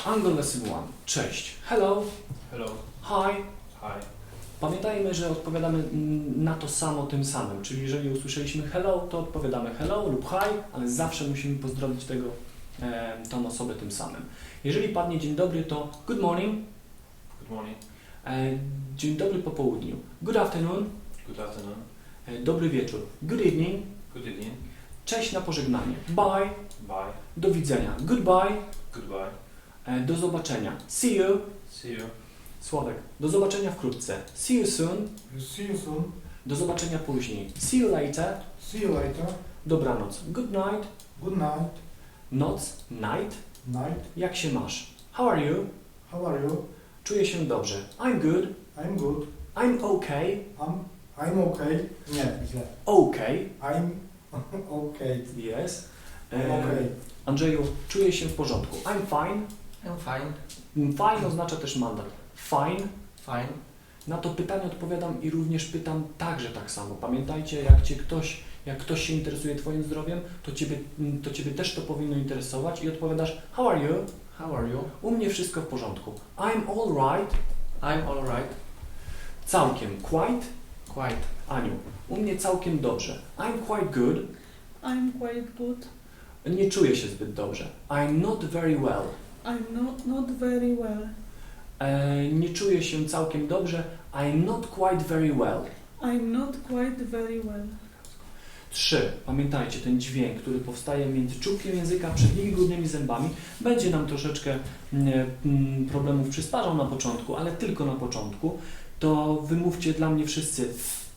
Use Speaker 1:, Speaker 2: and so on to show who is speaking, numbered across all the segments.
Speaker 1: Angle Lesson 1. Cześć. Hello.
Speaker 2: Hello.
Speaker 1: Hi.
Speaker 2: Hi.
Speaker 1: Pamiętajmy, że odpowiadamy na to samo tym samym, czyli jeżeli usłyszeliśmy hello, to odpowiadamy hello lub hi, ale zawsze musimy pozdrowić tą osobę tym samym. Jeżeli padnie dzień dobry, to good morning.
Speaker 2: Good morning.
Speaker 1: Dzień dobry po południu. Good afternoon.
Speaker 2: Good afternoon.
Speaker 1: Dobry wieczór. Good evening.
Speaker 2: Good evening.
Speaker 1: Cześć na pożegnanie. Bye.
Speaker 2: Bye.
Speaker 1: Do widzenia. Goodbye.
Speaker 2: Goodbye.
Speaker 1: Do zobaczenia. See you.
Speaker 2: See you.
Speaker 1: Sławek. Do zobaczenia wkrótce. See you soon.
Speaker 3: See you soon.
Speaker 1: Do zobaczenia później. See you later.
Speaker 3: See you later.
Speaker 1: Dobranoc. Good night.
Speaker 3: Good night.
Speaker 1: Noc. Night.
Speaker 3: Night.
Speaker 1: Jak się masz? How are you?
Speaker 3: How are you?
Speaker 1: Czuję się dobrze. I'm good.
Speaker 3: I'm good.
Speaker 1: I'm okay.
Speaker 3: I'm okay. Nie, źle.
Speaker 1: Okay.
Speaker 3: I'm okay.
Speaker 1: Yes.
Speaker 3: I'm okay.
Speaker 1: Andrzeju, czuję się w porządku. I'm fine.
Speaker 4: I'm fine.
Speaker 1: Fine oznacza też mandat. Fine.
Speaker 4: Fine.
Speaker 1: Na to pytanie odpowiadam i również pytam także tak samo. Pamiętajcie, jak ktoś się interesuje Twoim zdrowiem, to Ciebie też to powinno interesować i odpowiadasz How are you?
Speaker 4: How are you?
Speaker 1: U mnie wszystko w porządku. I'm all right.
Speaker 4: I'm all right.
Speaker 1: Całkiem. Quite.
Speaker 4: Quite.
Speaker 1: Aniu. U mnie całkiem dobrze. I'm quite good.
Speaker 5: I'm quite good.
Speaker 1: Nie czuję się zbyt dobrze. I'm not very well.
Speaker 5: I'm not very well.
Speaker 1: Nie czuję się całkiem dobrze. I'm not quite very well.
Speaker 5: I'm not quite very well.
Speaker 1: 3. Pamiętajcie, ten dźwięk, który powstaje między czubkiem języka, przednimi górnymi zębami, będzie nam troszeczkę problemów przysparzał na początku, ale tylko na początku. To wymówcie dla mnie wszyscy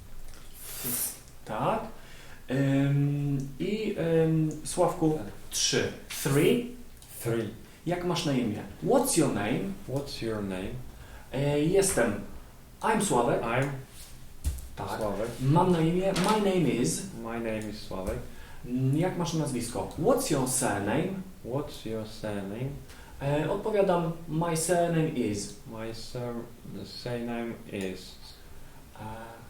Speaker 1: tak. Sławku 3.
Speaker 6: 3.
Speaker 1: Jak masz na imię? What's your name?
Speaker 6: What's your name?
Speaker 1: Jestem. I'm Sławek.
Speaker 6: I'm
Speaker 1: Tak.
Speaker 6: Sławek.
Speaker 1: Mam na imię. My name is.
Speaker 6: My name is Sławek.
Speaker 1: Jak masz nazwisko? What's your surname?
Speaker 6: What's your surname?
Speaker 1: Odpowiadam. My surname is.
Speaker 6: My surname is